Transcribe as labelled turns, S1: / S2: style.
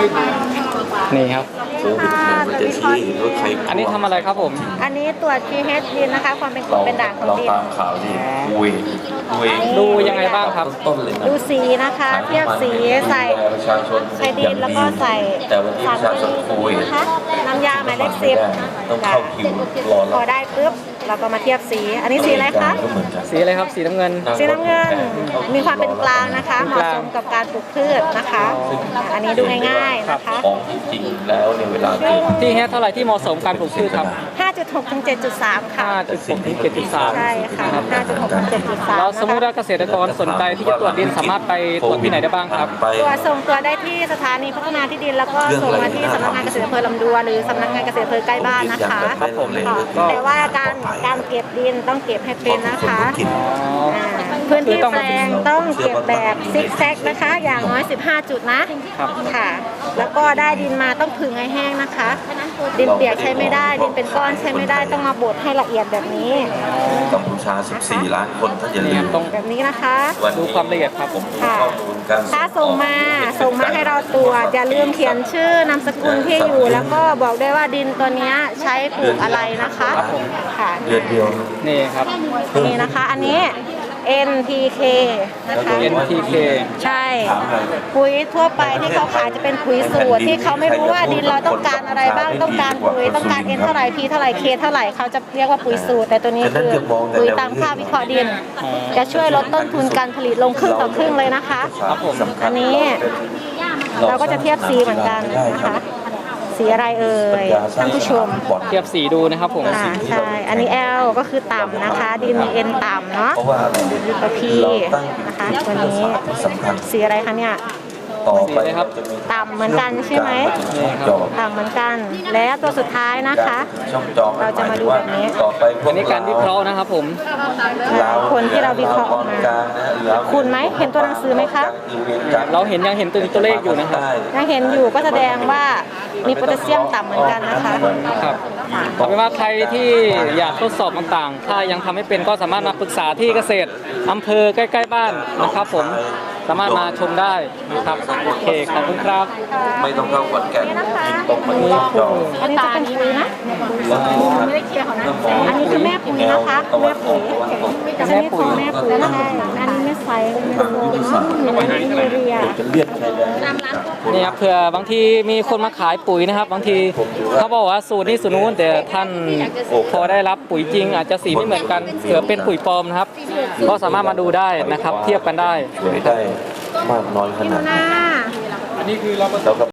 S1: นี่ครับ
S2: โควิดเนี่ยมันจะชี้ว่าใคร
S1: อันนี้ทำอะไรครับผม
S3: อันนี้ตรวจ pH ดินนะคะ ความเป็นกรดเป็นด่างของ
S2: เรา
S3: ดิน
S2: ตามข่าวดิคุย
S1: ดูยังไงบ้างครับ
S2: ต้นเลยนะ
S3: ดูสีนะคะ เทียบสีใส่
S2: ประชาชน
S3: ใส่ดินแล้วก็ใส่
S2: แต่วันนี้ประชาชนคุย
S3: นะคะน้ำยาหมายเลข10
S2: ต้องเข้าคิวรอ
S3: พอได้ปุ๊บเราก็มาเทียบสี อันนี้สีอะไรคะ
S2: ก็เหมือนกัน
S1: สีอะไรครับ สีน้ำเงิน
S3: สีน้ำเงินมีความเป็นกลางนะคะเหมาะสมกับการปลูกพืชนะคะ อันนี้ดูง่ายๆนะคะ
S2: ของจริงแล้วในเวลาจริง
S1: ที่เฮดเท่าไหร่ที่เหมาะสมการปลูกพืชครับ
S3: 5.6 ถึง 7.3 ค่ะ
S1: 5.6 ถึง 7.3
S3: ใช่ค่ะ 5.6 ถึง 7.3
S1: เราสมมติว่าเกษตรกรสนใจที่จะตรวจดินสามารถไปตรวจที่ไหนได้บ้างครับ
S3: ตัวส่งตัวได้ที่สถานีพัฒนาที่ดิน แล้วก็ส่งมาที่สำนักงานเกษตรอำเภอลำดวนหรือสำนักงานเกษตรอำเภอใกล้บ้านนะคะ
S2: ครับผม
S3: แต่ว่าการเก็บดินต้องเก็บให้เป็นนะคะ อ่าพื้นที่แปลงต้องเก็บแบบซิกแซกนะคะ อย่างน้อย 15 จุดนะครับ ค่ะ แล้วก็ได้ดินมาต้องผึ่งให้แห้งนะคะ ดินเปียกใช้ไม่ได้ ดินเป็นก้อนใช้ไม่ได้ต้องมาบดให้ละเอียดแบบนี้
S2: กัมพูชา 14 ล้านคนถ้าอย่าลืม
S1: ตรง
S3: แบบนี้นะคะ
S1: ดูความละเอียดครับผม
S3: ค่ะ
S2: ข้อมูลการ
S3: ถ้าส่งมาให้เราตรวจอย่าลืมเขียนชื่อนามสกุลที่อยู่ แล้วก็บอกด้วยว่าดินตัวเนี้ยใช้ปลูกอะไรนะคะค่ะ
S2: เดือนเดียว
S1: นี่ครับ
S3: นี่นะคะอันนี้ NPK นะคะ
S1: NPK
S3: ใช่ ปุ๋ยทั่วไปที่เขาขายจะเป็นปุ๋ยสูตรที่เขาไม่รู้ว่าดินเราต้องการอะไรบ้างต้องการปุ๋ยต้องการ N เท่าไหร่ P เท่าไหร่ K เท่าไหร่เขาจะเรียกว่าปุ๋ยสูตร แต่ตัวนี้คือปุ๋ยตามค่าวิเคราะห์ดิน จะช่วยลดต้นทุนการผลิตลงครึ่งต่อครึ่งเลยนะคะ
S1: ครับผม
S3: อันนี้เราก็จะเทียบสีเหมือนกันนะคะ สีอะไรเอ่ยท่านผู้ชม
S1: เทียบสีดูนะครับผม
S3: ใช่ อันนี้ L ก็คือต่ำนะคะ ดินมี N ต่ำเนาะ
S2: เพราะว่าอะไร
S3: ตัว P นะคะตัวนี้
S2: สำคัญ
S3: สีอะไรคะเนี่ย
S2: ต่อไป
S1: ครับ
S2: จะมี
S3: ต่ำเหมือนกันใช่ไหม
S2: จอ
S3: ต่ำเหมือนกัน แล้วตัวสุดท้ายนะคะ
S2: ช่องจอ
S3: เราจะมาดูแบบนี้
S2: ต่อไปพว
S1: อันนี้การวิเคราะห์นะครับผม
S3: คนที่เราวิเคราะห์ออกมา คุณไหมเห็นตัวหนังสือไหมคะ
S1: เรายังเห็นตัวเลขอยู่นะครับ
S3: ยังเห็นอยู่ก็แสดงว่ามีโพแทสเซียมต่ำเหมือนกันนะคะ
S1: ครับเอาเป็นว่าใครที่อยากทดสอบต่างๆ ถ้ายังทำไม่เป็นก็สามารถมาปรึกษาที่เกษตรอำเภอใกล้ๆบ้านนะครับผม สามารถมาชมได้นะครับ โอเค ขอบคุณครับ
S2: ไม่ต้องเข้าขอนแก่น
S3: นี่นะคะ
S2: ยิงตรงมาที่ช่องจอ
S3: อันนี้จะเป็นปุ๋ยนะ
S2: แล้ว
S3: ไม่ได้เคลียร์เขานะ อันนี้คือแม่ปุ๋ยนะคะ แม่ปุ๋ยชนิดของแม่ปุ๋ยใช่อันนี้ไม่ใส่ไม่โฟมเนาะมีเรีย
S2: จะเรียกใครได้
S1: นี่ครับเผื่อบางทีมีคนมาขายปุ๋ยนะครับ บางทีเขาบอกว่าสูตรนี้สูตรนู้นแต่ท่านพอได้รับปุ๋ยจริง อาจจะสีไม่เหมือนกันเผื่อเป็นปุ๋ยปลอมนะครับ ก็สามารถมาดูได้นะครับ เทียบกันได้
S2: ช่วยได้มากน้อยขนาดไหน
S3: หน้า
S2: แล้วก็